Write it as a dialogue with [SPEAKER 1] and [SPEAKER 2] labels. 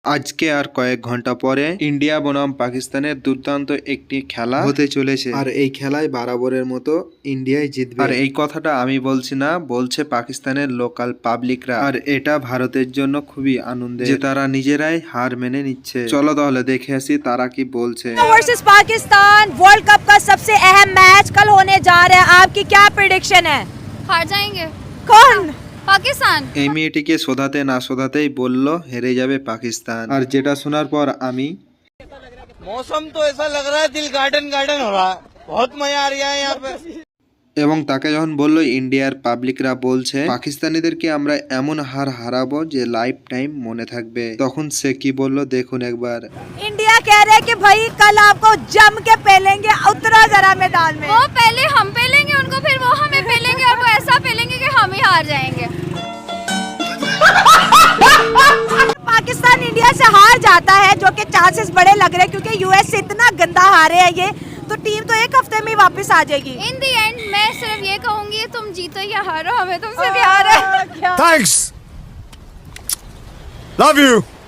[SPEAKER 1] আজকে আর কয়েক ঘন্টা পরে ইন্ডিয়া বনাম পাকিস্তানের দুর্দান্ত একটি খেলা হতে চলেছে আর এই খেলায় বরাবরের মতো ইন্ডিয়াই জিতবে। আর এই কথাটা আমি বলছি না, বলছে পাকিস্তানের লোকাল পাবলিকরা। আর এটা ভারতের জন্য খুবই আনন্দের যে তারা নিজেরাই হার মেনে নিচ্ছে। চলো তাহলে দেখে আসি তারা কি বলছে।
[SPEAKER 2] वर्सेस पाकिस्तान वर्ल्ड कप का सबसे अहम मैच कल होने जा रहा है, आपकी क्या प्रेडिक्शन है?
[SPEAKER 3] हार जाएंगे
[SPEAKER 2] कौन?
[SPEAKER 3] पाकिस्तान।
[SPEAKER 1] এই মেয়েটিকে শোধাতে না শোধাতেই বলল হেরে যাবে পাকিস্তান। আর যেটা শোনার পর আমি
[SPEAKER 4] मौसम तो ऐसा लग रहा है दिल गार्डन गार्डन हो रहा है, बहुत मजा आ रहा है यहाँ पे।
[SPEAKER 1] এবং তাকে যখন বলল ইন্ডিয়ার পাবলিকরা বলছে পাকিস্তানিদেরকে আমরা এমন হার হারাবো যে লাইফ টাইম মনে থাকবে, তখন সে কি বলল দেখুন একবার।
[SPEAKER 2] इंडिया कह रहे हैं कि भाई कल आपको जम के पेलेंगे, उतरो जरा मैदान में।
[SPEAKER 3] वो पहले हम पेलेंगे उनको, फिर वो हमें पेलेंगे और वो ऐसा पेलेंगे कि हम ही हार जाएंगे।
[SPEAKER 2] पाकिस्तान इंडिया से हार जाता है जो कि चांसेस बड़े लग रहे हैं क्योंकि यूएस से इतना गंदा हारे है ये, तो टीम तो एक हफ्ते में वापस आ जाएगी।
[SPEAKER 3] इन दी एंड मैं सिर्फ ये कहूंगी तुम जीतो या हारो, हमें तुमसे प्यार है।
[SPEAKER 5] Thanks. Love you.